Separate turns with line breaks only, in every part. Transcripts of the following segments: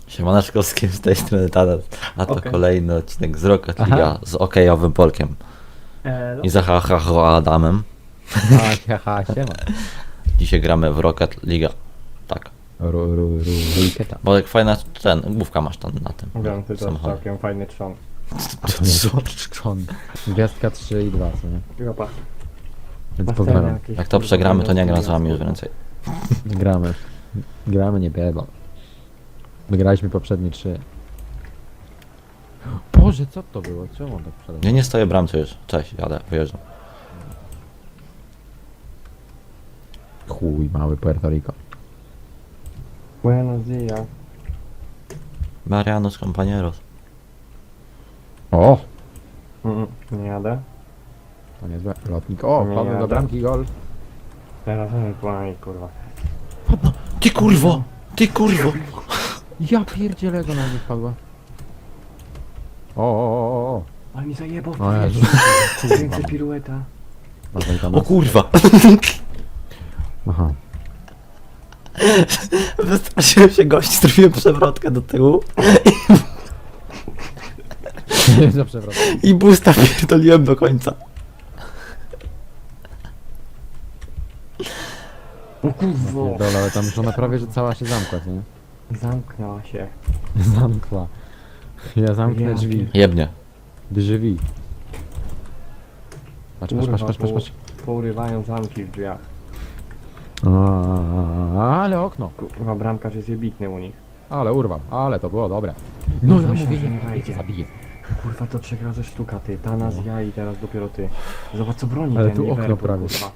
Siemaneczko, z kim z tej strony Tadas, a to
Okej.
kolejny odcinek z Rocket
Aha.
League z okejowym Polkiem
Elo.
i Zahahaho Adamem.
Haha, siema.
Dzisiaj gramy w Rocket League. Tak.
Rujketa.
Bolek, fajna główka masz tam na tym
Wiem, ty to
samochodzie.
całkiem fajny trzon.
Co?
Gwiazdka 3 i 2, co nie?
Jopa.
Więc
Masz
pozdrawiam.
ten jakiś,
Jak to
kurwa,
przegramy, to nie gram z
gwiazdki,
wami już
kurwa.
więcej.
Gramy. Gramy, nie biegam. Wygraliśmy poprzednie 3. Boże, co to było? Czemu on tak przede
Ja nie stoję w bramce już. Cześć, jadę, wyjeżdżam.
Chuj, mały Puerto Rico.
Buenos dias.
Marianos compañeros.
O!
Nie jadę.
To niezłe. Lotnik. O,
Nie
padł do
jadę.
bramki gol.
Teraz płynę, kurwa.
Ty kurwo! Ty kurwo!
Ja pierdzielę go na mnie wpadła. O.
Ale mi zajebał.
O Jezu.
Więcej pirueta.
Dawaj tam.
O kurwa!
Aha.
Wystraszyłem się gości, zrobiłem przewrotkę do tyłu
Za przewrot.
i boosta pierdoliłem do końca.
O kurwo.
Pierdolę, ale tam już ona prawie, że cała się zamkła, co nie?
Zamknęła się.
Zamkła. Ja zamknę
Ja
drzwi.
Jebnie.
Drzwi. Patrz.
Kurwa, Pourywają zamki w drzwiach.
Ale okno.
Kurwa, bramkarz jest jebitny u nich.
Ale urwał. Ale to było dobre. No ja
Myślałem,
mówię,
że nie
nie
wejdzie.
zabiję.
Kurwa, to 3 razy sztuka, ty. Tanas, ja i teraz dopiero ty. Zobacz, co broni
Ale
ten
tu okno
Liverpool,
prawie.
kurwa.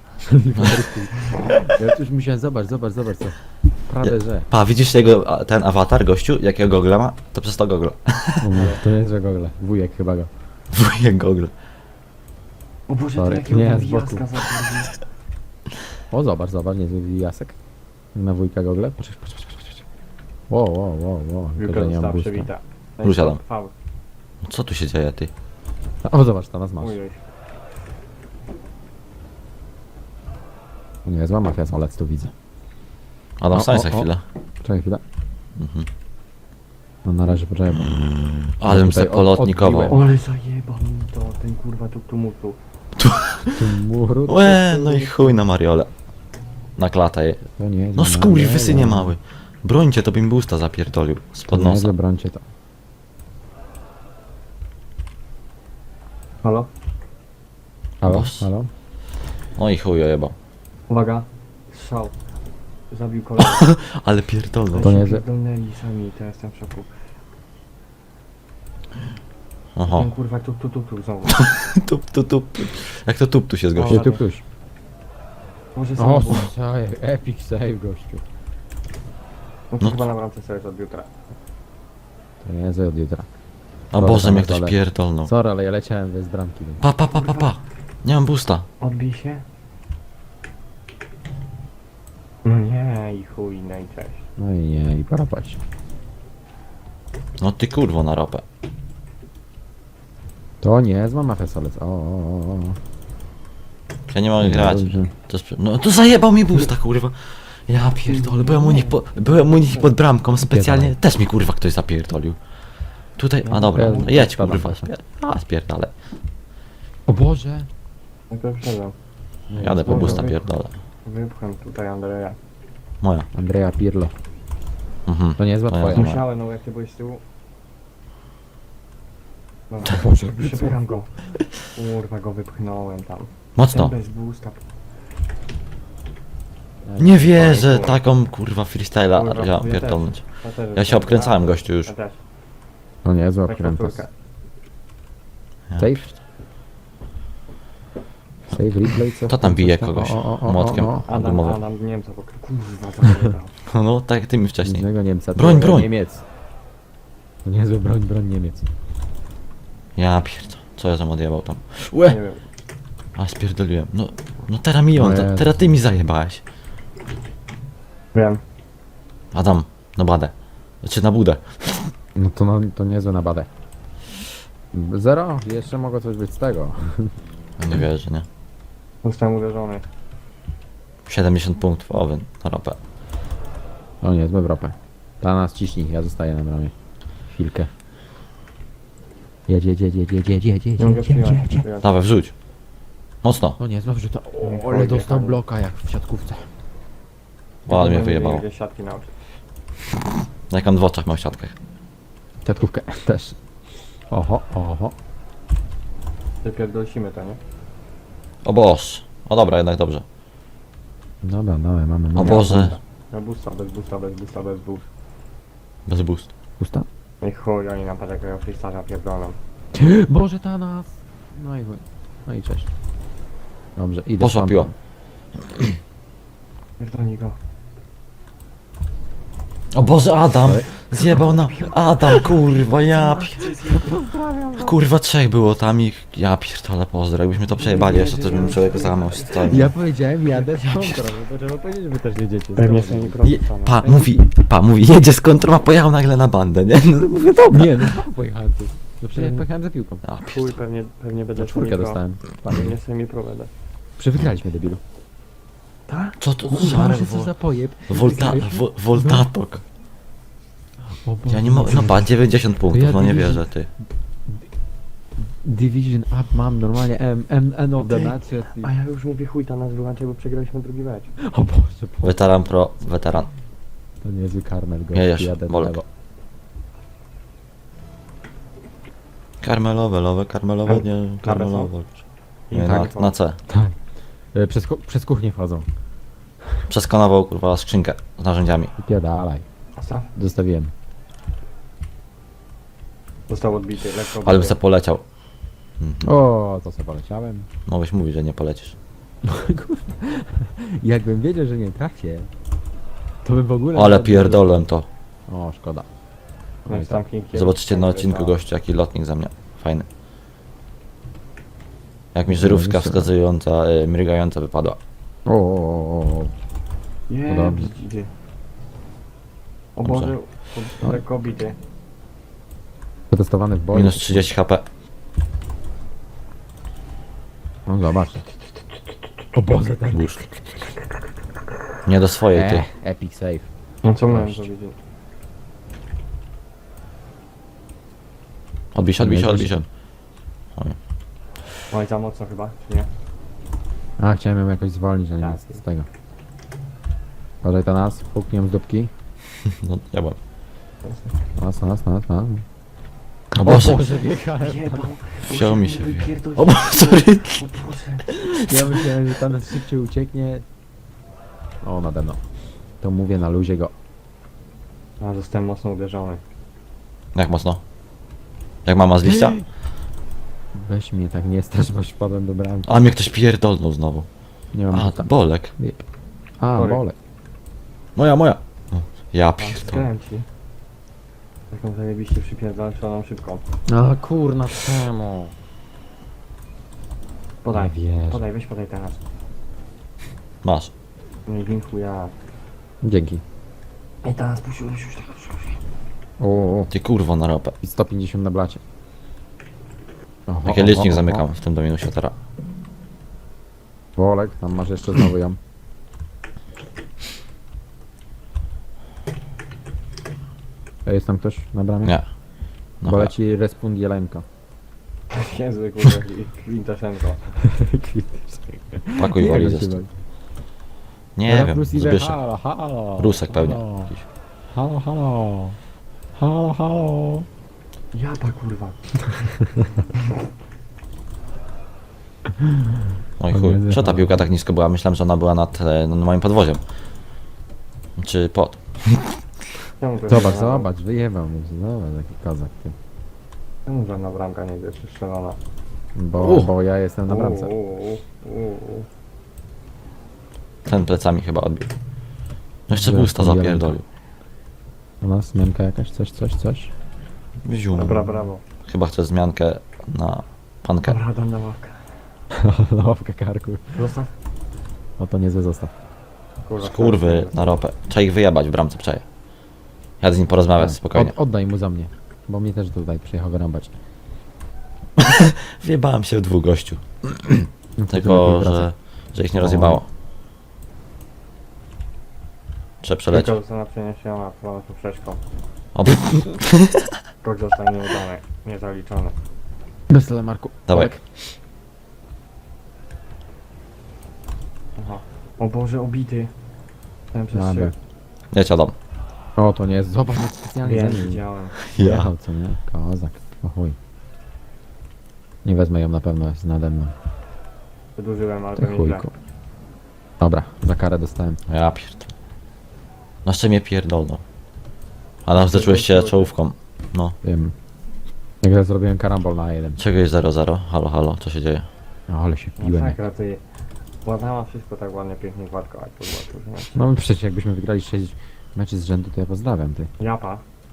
Ja już musiałem, zobacz co. Prawie, że.
Pa, widzisz jego, ten awatar, gościu, jakiego gogla ma? To przez to gogla.
To nie jest, że gogle. Wujek chyba go.
Wujek gogla.
O Boże,
Sorry.
to jakiego
Nie,
nie,
z boku.
jaska zapadli.
O, zobacz, niezły jasek. Na wujka gogle. Patrz. Wow.
Wielka
Tylko, że nie mam
została
boosta.
przewita.
Usiadam.
Faul.
Co tu się dzieje, ty?
O, zobacz, tam nas masz.
Ujej.
Nie, zła mafia, ale tu widzę.
Adam, stań za
o.
chwilę.
Czekaj chwilę.
Mhm.
No na razie poczekaj, bo...
Ale bym
tutaj
se polotnikował.
odbiłem.
Ale zajebał mi to, ten kurwa tuk-tumutu.
Tu muru...
Łe, no i chuj na Mariole. Na klatę je.
To nie,
No skurwysy nie mały. Brońcie, to bym boosta zapierdolił. Spod nosa.
Zabrońcie to.
Halo?
Halo?
Boss.
Halo?
No i chuj ojebał.
Uwaga. Strzał. Zabił kolegę.
Ale pierdolno.
To nie,
się
że-
pierdolnęli sami, to jestem w szoku.
Oho.
Ten kurwa tuk znowu.
Tup. Jak to tup tu się zgości?
Gdzie tu ktoś?
Może
O,
znowu.
save, epic save, gościu.
No to
no.
chyba na bramce sobie od jutra.
To nie jest od jutra.
O Boże, mnie ktoś pierdolnął.
Sorry, ale ja leciałem bez bramki. Więc...
Pa. Nie mam boosta.
Odbij się. No nie i chuj, no i cześć.
No i nie, i pora paść.
No ty kurwo na ropę.
To nie, zła mafia solec. O.
Ja nie mogę grać.
Dobrze.
To jest... No to zajebał mi boosta, kurwa. Ja pierdolę, byłem u nich pod bramką specjalnie. Też mi kurwa ktoś zapierdolił. Tutaj, a dobra,
Ja-
jedź
spadam
kurwa.
właśnie.
Spierdalę.
O Boże!
No to wszedłem.
Jadę po
Dobra,
boosta,
wy-
pierdolę.
Wypcham tutaj Andrzeja.
Moja.
Andrea Pirlo.
Mhm.
To nie jest zła
To ja
twoja.
znam.
Musiałem, no jak ty byłeś z tyłu. Dobra,
Boże,
przebieram go. Kurwa, go wypchnąłem tam.
Mocno.
Ten bez boosta.
Nie wierzę, taką kurwa freestyla
Kurwa,
ja
ja też.
pierdolnąć.
też
Ja się obkręcałem gościu już.
Ja też.
To nie jest zła
Tak
krętas.
powtórkę.
Ja.
Save? Save, replay, co?
Kto tam bije
Coś
kogoś
o,
młotkiem?
Adam Niemca, bo kurwa zajebał.
No tak jak ty mi wcześniej.
Innego Niemca.
Broń, broń.
Niemiec. To niezły broń Niemiec.
Ja pierdolę. Co ja tam odjebał tam?
Nie
Łe!
wiem.
A spierdoliłem. No teraz mi on,
No Jezu.
teraz ty mi zajebałeś.
Wiem.
Adam, na badę. Znaczy na budę.
No to niezłe na badę. 0? Jeszcze mogło coś być z tego.
Ja nie wierzę, nie?
Zostałem uderzony.
70 punktów, owy, na ropę.
O nie, złe w ropę. Ta nas ciśnij, ja zostaję na bramie. Chwilkę. Jedź, jedź, jedź, jedź, jedź, jedź, jedź, jedź,
Nie mogę
jedź, jedź,
przyjąć.
jedź.
przyjąć.
Dawaj, wrzuć. Mocno.
No nie, znowu, że to...
Nie
O, ale
chodzi,
dostał
panie.
bloka jak w siatkówce.
Ale mnie
Nie
wyjebało.
gdzie siatki nauczyć.
Jak on w oczach miał w siatkach.
Siatkówkę też. Oho, oho.
Wypierdolimy to, nie?
O Boż. O dobra, jednak dobrze.
Dobra, dawaj, mamy.
O Boże.
Na busta, bez busta, bez busta, bez boost.
Bez boost.
Usta?
No i chuj, oni nam takiego freestyle'a pierdolą.
Boże, ta nas. No i chuj. No i cześć. Dobrze, idę.
Poszła
stąd.
piła.
Pierdolni go.
O Boże, Adam! Zjebał na... Adam, kurwa, Kurwa, trzech było tam i... Ja pierdolę, pozdro. Jakbyśmy to przejebali jeszcze, to bym człowiek załamał się totalnie.
Ja powiedziałem, jadę z kontrą, bo trzeba powiedzieć, że wy też jedziecie.
Pewnie sobie
mówi, jedzie z kontrą, a pojechał nagle na bandę, nie? No mówię, dobra.
Nie, no pojechałem tu. No przecież pojechałem za piłką.
A,
Chuj, pewnie będę
Na czwórkę
semi-pro.
dostałem.
Pewnie semi-pro będę.
Przewygraliśmy, debilu.
Co to
Boże, co za pojeb.
Voltatok.
O Boże.
Ja nie mogę, no pa, 90 punktów, no nie wierzę, ty.
Division up mam normalnie N of the
Okej.
match.
A ja już mówię chuj, ta nas wyłączaj, bo przegraliśmy drugi mecz.
O Boże,
Weteran pro, weteran.
to niezły karmel go.
Jedziesz,
jadę w
Bolek.
lewo.
Karmelowe, nie, karmelowe. Nie,
Tak.
na C.
Tak. Przez kuchnię wchodzą.
Przeskanował, kurwa, skrzynkę z narzędziami.
Pierdalaj.
Osta?
Zostawiłem.
Został odbity, lekko
Ale bym
odbity.
se poleciał.
O, to sobie poleciałem.
Mogłeś mówić, że nie polecisz.
Jakbym wiedział, że nie trafię, to bym w ogóle...
Ale pierdolłem to.
O, szkoda.
No i tam pięknie.
Zobaczycie na
Tak,
odcinku
tak.
gościu, jaki lotnik ze mnie. Fajny. Jak mi żyrówka wskazująca, mrygająca wypadła.
O.
Nie,
Podobnie.
widzicie. O
Dobrze.
Boże, lekko obity.
Przetestowany w boju.
Minus 30 HP.
No zobacz. O Boże, ten...
Boost. Nie do swojej, ty.
Epic save.
No co miałem
Gość.
powiedzieć?
Odbij się.
Oj, za mocno chyba, czy nie?
A, chciałem ją jakoś zwolnić, ale nie
Tak.
z tego. Uważaj to nas, puknij ją z dupki.
No, ja byłem.
Nas.
O Boże,
wjechałem.
wziął mi się.
Wypierdolić.
O Boże, sorry.
O Boże.
Ja myślałem, że ta nas szybciej ucieknie. O, nade mną. To mówię na luzie go.
A, zostałem mocno uderzony.
Jak mocno? Jak mama z liścia?
Weź mnie tak nie strasz, bo wpadłem do bramki.
A mnie ktoś pierdolnął znowu.
Nie mam
A,
tam.
Bolek.
A,
Sorry.
bolek.
Moja. No, ja
A,
pierdolę.
skręci. Taką zajebiście przypierdoloną szybką.
A, kurna, czemu?
Podaj,
Nie wierzę.
podaj, weź podaj teraz.
Masz.
No i winku ja.
Dzięki.
I teraz puściłeś już tego wszystkiego.
O,
Ty kurwo na ropę.
i 150 na blacie. Oho,
Jakie
oho,
licznik
oho.
zamykam w tym do minusie teraz.
Bolek, tam masz jeszcze znowu ją. Jest tam ktoś na bramie?
Nie. No,
Bo leci respund Jelenko.
Niezły kurde Kwintaszenko.
pakuj walizę stąd. Nie wiem, Zbyszek.
Halo, halo.
Rusek pewnie.
Halo,
Jakiś.
halo. Halo, halo. Halo.
Japa kurwa.
Oj
O
chuj.
Jezu,
Co ta
halo.
piłka tak nisko była? Myślałem, że ona była nad moim podwoziem. Czy pod.
Czemu to
Zobacz,
nie-
zobacz, wyjebał mnie. Zobacz, jaki kozak ty.
Czemu żadna bramka nie jest strzelona?
Bo ja jestem na bramce.
Ten plecami chyba odbił. No jeszcze
Dobra,
pusta
Jelenko.
zapierdolił.
U nas zmianka jakaś, coś.
Wziął.
Dobra, brawo.
Chyba chcę zmiankę na pankę.
Dobra, dam na ławkę.
Łapka karku.
Zostaw.
O, to niezły zostaw.
Kurwa,
Skurwy na ropę. Trzeba ich wyjebać w bramce, przeje. Jadę z nim porozmawiać spokojnie.
Oddaj mu za mnie. Bo mnie też tutaj przyjechał wyrąbać.
Wjebałem się w dwóch gościu.
No to
Tylko,
lepiej
że ich nie
O.
rozjebało. Trzeba przelecieć.
Tylko została przeniesiona z poprzeczką.
O,
Krok zostanie nieudany, niezaliczony.
Bez telemarku.
dawaj.
Aha. O Boże, obity. Ten przez
Dobra.
Jedź Adam.
O, to nie jest. Zobacz, jak specjalnie
Wiem,
za nim.
widziałem.
Jechał, co nie? Kozak. O chuj. Nie wezmę ją na pewno, jest nade mną.
Wydłużyłem, ale
Ty
to nieźle.
chujku. Dobra, za karę dostałem.
Ja pierdolę. No jeszcze mnie pierdolno. Adam, zacząłeś się czołówką. No.
Wiem. Jak ja zrobiłem karambol na 1.
Czego jest 0-0? Halo, halo, co się dzieje?
No, ale się piłem.
Masakra, ty. Ładnała wszystko tak ładnie, pięknie, gładko, jak to było.
No przecież jakbyśmy wygrali 6 meczy z rzędu, to ja pozdrawiam, ty.
Japa.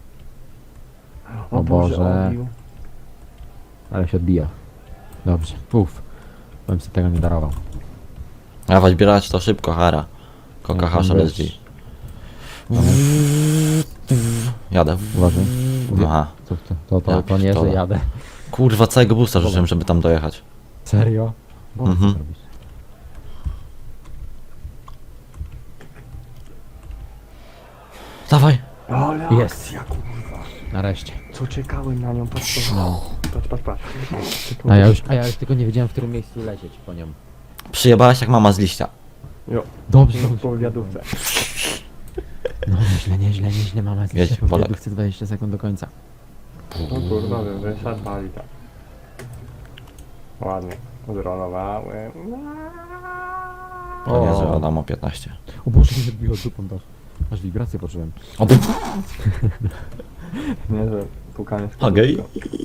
O Boże.
Obił.
Ale się odbija. Dobrze. Uff. Bym sobie tego nie darował.
Dawać bierać to szybko, hara. Koka
Ja tam
hasza
wiesz.
LSG. Jadę.
Uważaj.
Aha.
To nie, że
pierdolę.
jadę.
Kurwa, całego busta rzuciłem, żeby tam dojechać.
Serio? Bo
Mhm.
co robisz?
Dawaj.
Ale
Jest.
akcja, kurwa.
Nareszcie.
Co czekałem na nią, patrz,
No.
patrz.
A ja już tylko nie wiedziałem, w którym miejscu lecieć po nią.
Przyjebałaś jak mama z liścia.
Jo,
Dobrze,
po wiadówce.
No nieźle, mama.
Jedź, Polak.
Chcę 20 sekund do końca.
No kurwa, wyszedł, bali tak. Ładnie. Udronowałem.
To nie,
O.
że Adam o 15.
O Boże, nie odbiło dupą to. Aż wibrację poczułem.
O,
Nie, że pukanie z
Okej.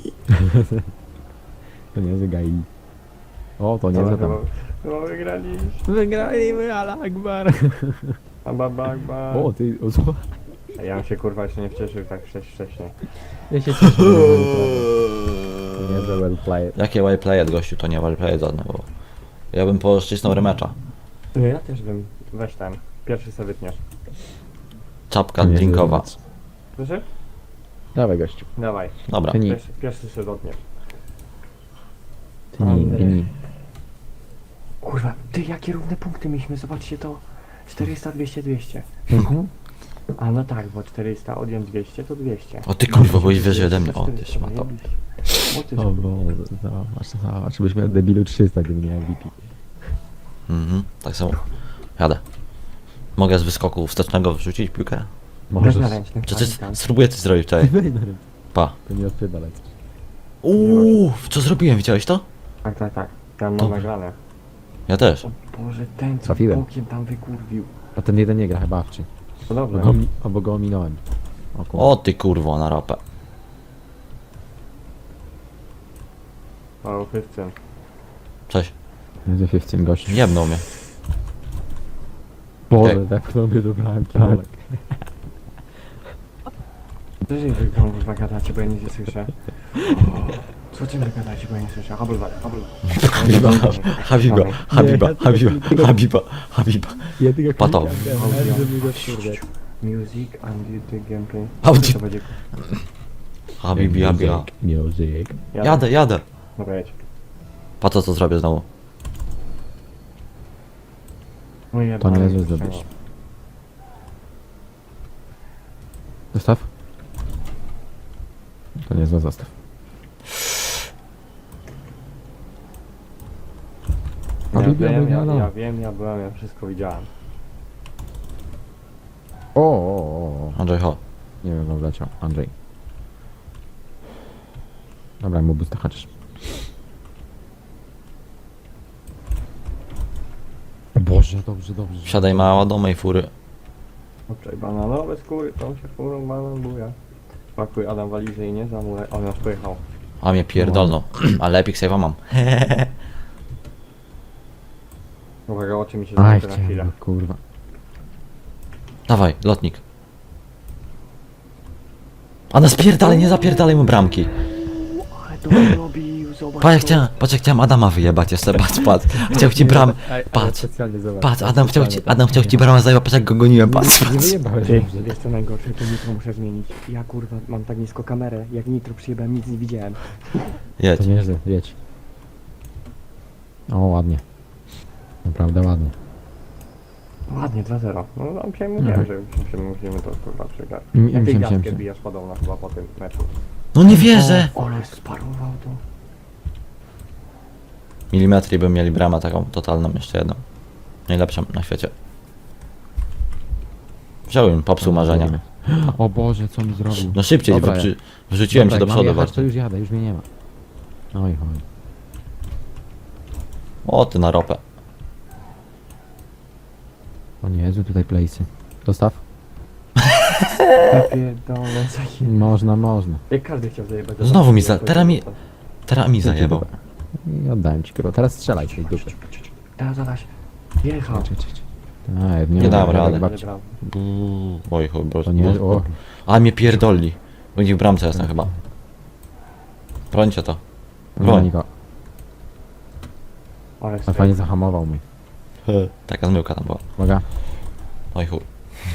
To nie jest gai. O, to nie jest tam.
No wygraliśmy.
Wygraliśmy, ala Akbar.
Ababagba.
O, ty, o co?
A ja bym się kurwa jeszcze nie wcieszył tak wcześniej.
Ja się cieszę. To nie jest well played.
Jakie wayplayed, gościu, to nie wayplayed żadne, bo... Ja bym poszczysnął remecza.
No ja też bym, weź ten. Pierwszy sobie wytniesz.
Czapka
To nie jest
drinkowa.
rematch.
Słyszy?
Dawaj gościu.
Dawaj.
Dobra.
Ty
Pierwszy sobie dotniesz.
Tyni.
Kurwa, ty jakie równe punkty mieliśmy, zobaczcie to. 400, 200, 200.
Mhm.
A no tak, bo 400 odjąć 200 to 200.
O ty kurwa, byłeś wyżej ode mnie. O ty szmato.
O ty
O Boże, zobacz, byś miał debilu 300, gdyby nie MVP.
Mhm, tak samo. Jadę. Mogę z wyskoku wstecznego wrzucić piłkę?
Możesz
Możesz.
na ręcznym
Czy coś
pamiętam.
spróbuję coś zrobić tutaj?
Weź na rynku.
Pa.
To nie odpierdalaj.
Co zrobiłem, widziałeś to?
Tak. Tam mam
Dobra.
nagrane.
Ja też.
O Boże, ten co
Trafiłem.
bokiem tam wykurwił.
A ten jeden nie gra chyba wczy.
No dobrze.
Bo go ominąłem. O kurwa.
O ty kurwo, na ropę.
O, 15.
Cześć.
Jest 15 gości.
Jebnął mnie.
Boże,
Ej.
tak w tobie dobrałem kawałek.
Co się wy tam kurwa gadacie, bo ja nic nie słyszę? Co ty wy gadacie, bo ja nie słyszę? Habulwar.
Habiba, Habiba.
Ja tylko
Pato.
Music and the gameplay.
Audio.
To będzie...
Habibi.
Music.
Jadę.
Dobra, jedź.
Pa co zrobię znowu?
No i
To nie jest zdobyć. Zostaw. To nie zły zostaw.
Ja wiem, ja byłem, ja wszystko widziałem.
O.
Andrzej, ho.
Nie wiem, no wleciał. Andrzej. Dobra, mu busta haczysz. Boże, dobrze.
Wsiadaj mała do mojej fury.
Obczaj bananowe skóry, tą się furą banan buja. Pakuj Adam walizę i nie zamulę. On już pojechał.
A mnie pierdolno. Ale epic save'a mam.
Uwaga, oczy mi się
Aj,
zamknęły na chwilę.
chciałem, kurwa.
Dawaj, lotnik. A spierdalaj, nie zapierdalaj mu bramki.
Ale to robił, zobacz.
Patrz jak chciałem Adama wyjebać jeszcze, patrz. Chciał ci bram... Patrz. Patrz, Adam chciał ci bramę zajebać, patrz jak go goniłem, patrz.
Nie wyjebałeś
Ty,
dobrze.
jest to najgorsze, to nitro muszę zmienić. Ja kurwa mam tak nisko kamerę, jak nitro przyjebałem, nic nie widziałem.
Jedź.
To nieźle, jedź. O, ładnie. Naprawdę ładnie.
Ładnie, 2-0. No tam się mówiłem, że musimy to kurwa przegrać.
Mm,
Jak tej
siem,
gadkę
siem.
bijasz podobno chyba po tym meczu.
No nie wierzę!
Ale sparował to.
Milimetry by mieli bramę taką totalną, jeszcze jedną. Najlepszą na świecie. Wziąłem, popsuł marzenia.
O Boże, co mi zrobił?
No szybciej,
Dobra,
bo wrzuciłem
Dobra,
cię do
jak
przodu
mam jechać,
bardzo.
to już jadę, już mnie nie ma. Oj, oj.
O, ty na ropę.
O nie, Jezu, tutaj place'y. Dostaw?
Ja pierdolę,
Można, można.
jak każdy chciał zajebać.
Znowu mi teraz mi zajebał.
I oddałem ci kurwa. Teraz strzelaj z tej dupy.
Teraz zadaś. Jechał.
Tak,
Nie dam
mogę,
rady.
jak babci.
Oj chuj, bro.
To nie, o.
A mnie pierdoli. Będzie w bramce jestem chyba. Brońcie to.
Broń go.
Ale
A fajnie zahamował mnie.
Taka zmyłka tam była.
Uwaga.
Oj chuj.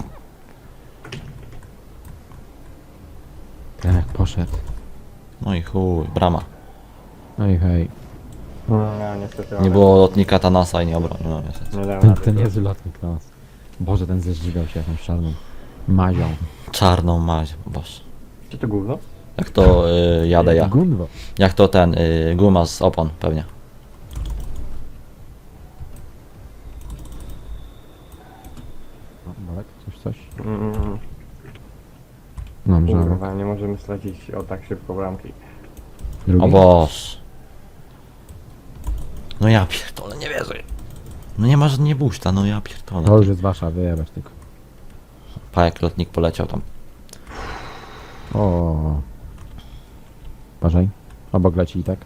Tak, poszedł.
No i chuj, brama.
Oj, hej.
No, niestety.
Nie było lotnika Tanasa i nie obronił, no niestety.
Nie dałem
Ten,
rady.
ten niezły lotnik na nas. Boże, ten zeżygał się jakąś czarną mazią.
Czarną maź, boż.
Czy to gówno?
Jak to jadę ja.
Gunwo.
Jak to ten guma z opon pewnie.
O, Bolek, coś?
Mm,
Dobrze,
kurwa, nie możemy stracić o tak szybko bramki.
drugi.
O boż. No ja pierdolę, nie wierzę. No nie masz nie buszta, no ja
To
pierdolę.
już jest wasza, wyjebać tylko.
Pa jak lotnik poleciał tam.
O. Uważaj. Obok leci i tak.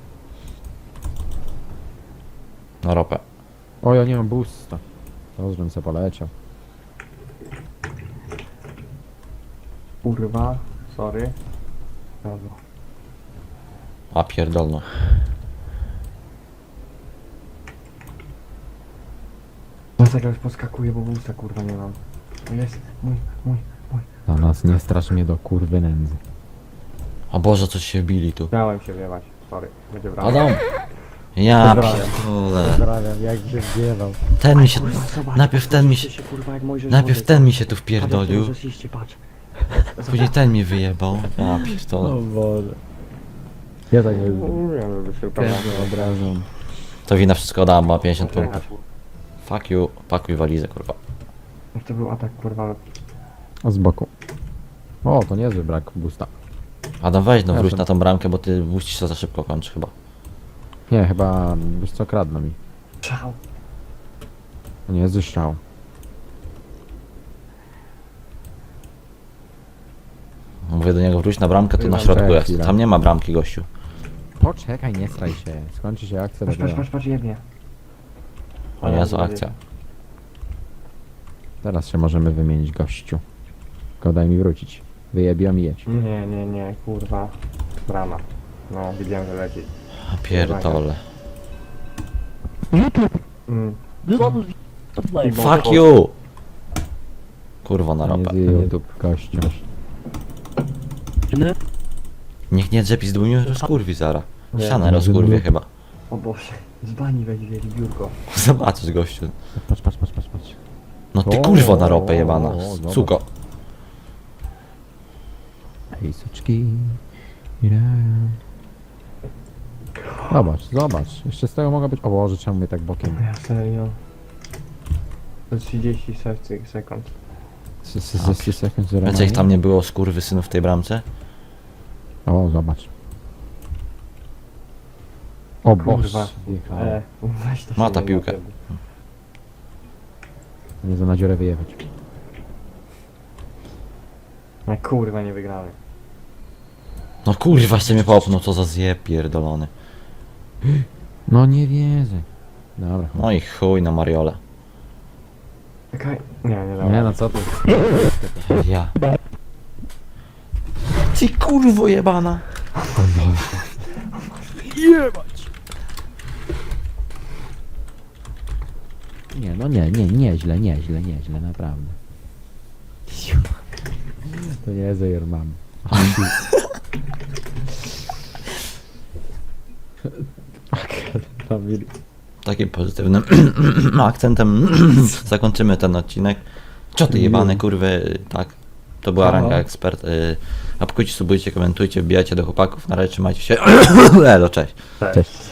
Na ropę.
O, ja nie mam boosta. To, żebym se poleciał.
Kurwa, sorry. Dobra.
A pierdolno.
Dlatego już poskakuje, bo busta kurwa nie mam. To jest mój.
Na nas nie strasz mnie do kurwy nędzy.
O Boże, coś się bili tu.
Miałem się wiewać, sorry. Będzie brawo.
Adam! Ja
Pozdrawiam.
pierdolę.
Pozdrawiam, jak się wdziewał.
Ten mi się...
Kurwa, zobacz,
Najpierw ten mi się...
kurwa, jak Mojżesz
Najpierw
wody.
ten mi się tu
Patrz, jak
wpierdolił.
Mojżesz iście, patrz.
Później ten mnie wyjebał. Ja pierdolę.
Boże. Ja tak nie
Mówiłem, żeby się upewniać.
obrażam.
To wina wszystko dam, ma 50 punktów.
Jechać.
Fuck you, pakuj walizę kurwa.
Jak to był atak kurwa.
A z boku. O, to niezły brak boosta.
Adam weź no wróć
Jasne.
na tą bramkę, bo ty musisz się za szybko kończyć chyba.
Nie, chyba, wiesz co, kradną mi.
Szał.
To nie jest strzał.
Mówię do niego wróć na bramkę, to na
Czekaj
środku jest.
chwilę.
Tam nie ma bramki gościu.
Poczekaj, nie straj się. Skończy się akcja dopiero.
Patrz, jebnie.
O Jezu, akcja.
Teraz się możemy wymienić gościu. Tylko daj mi wrócić. Wyjebiam i jedź.
Nie, kurwa. Brama. No, widziałem, że leci.
A pierdolę.
Mm.
Fuck you! Kurwa na
Nie
ropę.
z YouTube gościu.
Niech nie drzepi z dłonią, rozkurwi zara.
Nie,
Ścianę
nie,
rozkurwie
nie.
chyba.
O Boże. Z bani weźmie biurko.
Zobaczysz gościu.
Patrz.
No ty
O,
kurwo na ropę jebana.
dobra.
Cuko.
Hej, suczki. Zobacz. Jeszcze z tego mogę być... O Boże, czemu mnie tak bokiem?
Ja serio. To 30 sekund.
Sekund
Wiecie ich tam nie było skurwysynów w tej bramce?
O, zobacz. O
Kurwa.
Boże. wjechałem.
Weź to
Ma
się
ta
nie
piłkę.
napierdol.
Nie za na dziurę wyjechać.
No kurwa, nie wygramy.
No kurwa się mnie popnął, co za zjeb pierdolony.
No nie wierzę. Dobra.
No i chuj na Mariole.
Czekaj. Nie dam.
Nie no co ty?
Ja. Ty kurwo jebana.
Nie, no nieźle, naprawdę. To nie jest your mam. Family.
takim pozytywnym akcentem zakończymy ten odcinek. Cioty jebane, kurwy, tak. To była ranga ekspert. Apkujcie, subujcie, komentujcie, wbijajcie do chłopaków. Na razie trzymajcie się. Elo, cześć.
Cześć.
Cześć.